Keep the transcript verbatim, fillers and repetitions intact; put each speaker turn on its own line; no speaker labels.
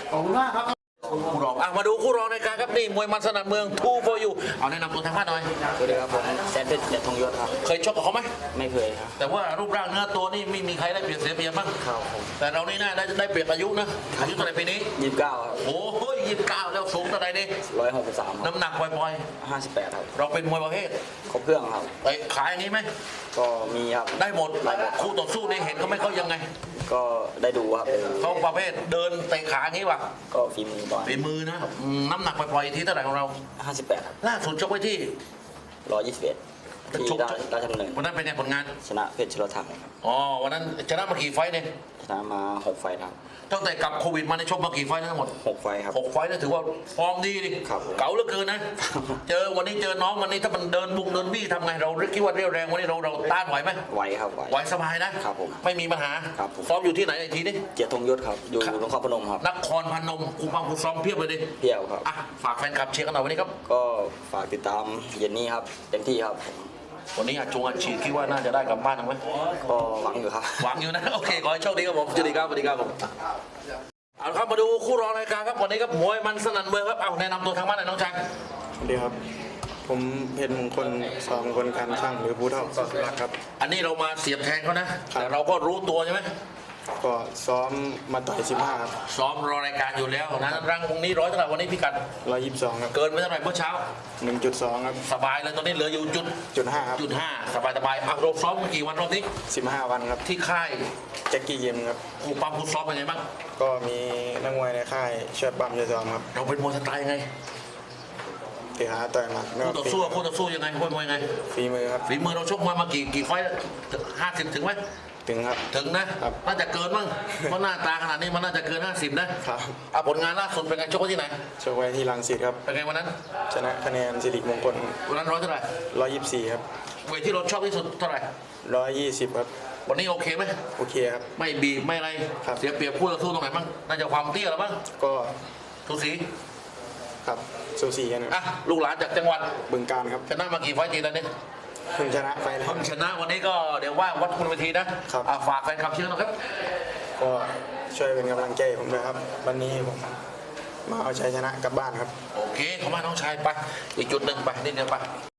ขอบคุณมากครับ
คู่รองอ่ะมาดูคู่รองในการครับนี่มวยมันสนั่นเมืองทูโฟยูเอาแนะนำตัวทางบ้านหน่อย
สวัสดีครับผมแซนเพชรเดชทองยศครับ
เคยชกกับเขาไหม
ไม่เคยครับ
แต่ว่ารูปร่างเนื้อตัวนี่ไม่มีใครได้เปรียบเสียเปรียบบ้าง
ครับผม
แต่เรานี่น่าได้ได้เปรียบอายุนะอายุเท่าไหร่ปีนี้
ยี่สิบเก้าครับ
โอ้โหยี่สิบเก้าแล้วสูงเท่าไหร่นี่
ร้อยหกสิบสาม
น้ำหนักปล่อย
ห้าสิบแปดครับ
ๆเราเป็นมวยประเภท
ครบเครื่องครับ
ไอ้ขายอย่างนี้ไหม
ก็มีครับ
ได้หมดคู่ต่อสู้นี่เห็นก็ไม่เขายังไง
ก็ได้ดูครับ
เขาประเภทเดินเตะขาอย่างนี้วะ
ก็ฝีมือบ่อย
ฝีมือนะน้ำหนักปล่อยๆที่เท่าไหร่ของเรา
ห้าสิบแปดครับ
ล่าสุดชกไว้ที่
ร้อยยี่สิบเอ็ดที่ราชดำเนิน
วันนั้นเป็นไงผลงาน
ชนะเพชรชลทัง
อ๋อวันนั้นชนะมากี่ไฟเนี่ย
ชนะมาหกไฟครับ
ตั้งแต่กลับโควิดมาในชกมากี่ไฟทั้งหมด
หกไฟครับ
หกไฟนี่ถือว่าฟอร์มดีดิเก๋าเหลือเกินนะเจอวันนี้เจอน้องวันนี้ถ้ามันเดินบุงเดินบี้ทำไงเราคิดว่าเรียวแรงวันนี้เราเราต้านไหวไหม
ไหวครับไหว
ไหวสบายนะครับผมไม่มีปัญหา
ครับ
ซ้อมอยู่ที่ไหนไอ้ทีนี้
เกียรติธงยศครับอยู่นครพนมครับ
นครพนมครูปังครูซ้อมเพียบเลยดิ
เพียบครับ
อ่ะฝากแฟนคลับเชียร์กันหน่อยวันนี้ครับ
ก็ฝากติดตามเย็นนี้ครับเต็มที่ครับ
วันนี้อาจงอาชีพคิดว่าน่าจะได้กลับบ้านไหม
ก็หวังอยู่ครับ
หวังอยู่นะโอเคขอให้โชคดีครับผมสวัสดีครับสวัสดีครับผมเอาครับมาดูคู่รองรายการครับวันนี้ครับมวยมันสนั่นเมืองครับเอาแนะนำตัวทางบ้านหน่อยน้องชาย
สวัสดีครับผมเพชรมงคลสองคนการช่างหรือผู้เท่าสอดรักครับ
อันนี้เรามาเสียบแทงเขานะแต่เราก็รู้ตัวใช่ไหม
ก็ซ้อมมาต่อยสิบห้าครับ
ซ้อมรอรายการอยู่แล้วนะรังวงนี้ร้อยเท่าไหร่วันนี้พี่กัด
ร้อยยี่สิบสองครับ
เกินไปเท่าไหร่เมื่อเช้า
หนึ่งจุดสองครับ
สบายเลยตอนนี้เหลืออยู่จุด
จุดห้าครับ
จุดห้าสบายสบายอ่ะเราซ้อมมากี่วันรอบนี้
สิบห้าวันครับ
ที่ค่าย
แจ็คกี้เยมครับ
ครูปั๊มครูซ้อมเป็นไงบ้าง
ก็มีนักมวยในค่ายช่วยปั๊มช่วยซ้อมครับ
เราเป็นมวยสไตล์ไง
เตะขาต่อยหมัด
คู่ต่อสู้คู่ต่อสู้ยังไงมวยมวยไง
ฝีมือครับ
ฝีมือเราชกมวยมากี่กี่ไฟห้าสิบถึงไหม
ถึงครับ
ถึงนะน่าจะเกินมั้งเพราะหน้าตาขนาดนี้มันน่าจะเกินห้าสิบนะครับอ่ะผลงานล่าสุดเป็นไงชกที่ไหน
ชกไว้ที่รังสิตครับ
เป็นไงวันนั้น
ชนะคะแนนสิริมงคล
วันนั้นร้อยเท่าไหร่
ร้อยยี่สิบสี่ครับ
เวทที่เราชอบที่สุดเท่าไหร่
ร้อยยี่สิบครับ
วันนี้โอเคไหม
โอเคครับ
ไม่บีบไม่อะไรเสียเปรียบคู่ต่อสู้ตรงไหนบ้างน่าจะความเตี้ยหรือบ้าง
ก็
ทุสี
ครับสูสีกัน
อ่ะลูกหลานจากจังหวัด
บึงกาฬครับ
ชนะมากี่ไฟต์ตีแล้วเนี่ย
เพิ่งชนะไฟ
เพิ่งชนะวันนี้ก็เดี๋ยวว่าวัดคุณเวทีนะครับฝากแฟนคลับเชียร์นะครับ
ก็ช่วยเป็นกำลังใจผมด้วยครับวันนี้ผมมาเอาชัยชนะกลับบ้านครับ
โอเคขอบคุณน้องชายไปอีกจุดหนึ่งไปนิดเดียวไป